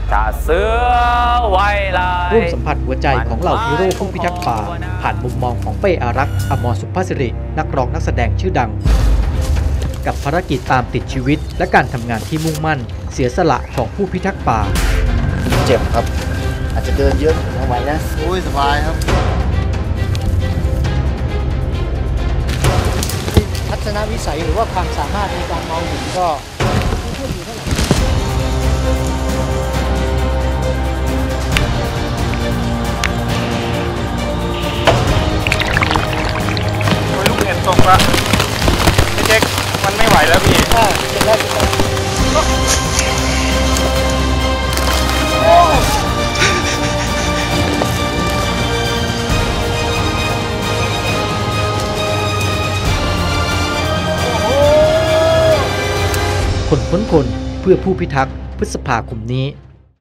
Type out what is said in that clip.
จะเสือไว้ลายร่วมสัมผัสหัวใจของเหล่าฮีโร่ผู้พิทักษ์ป่าผ่านมุมมองของเป้อารักษ์อมรสุภาสิรินักร้องนักแสดงชื่อดังกับภารกิจตามติดชีวิตและการทำงานที่มุ่งมั่นเสียสละของผู้พิทักษ์ป่าเจ็บครับอาจจะเดินเยอะทำไมนะโอ้ยสบายครับทัศนวิสัยหรือว่าความสามารถในการมองเห็นก็ลูกเห็บตกละพี่เจ๊กมันไม่ไหวแล้วพี่เสร็จแล้วคนพ้นคนเพื่อผู้พิทักษ์พฤษภาคมนี้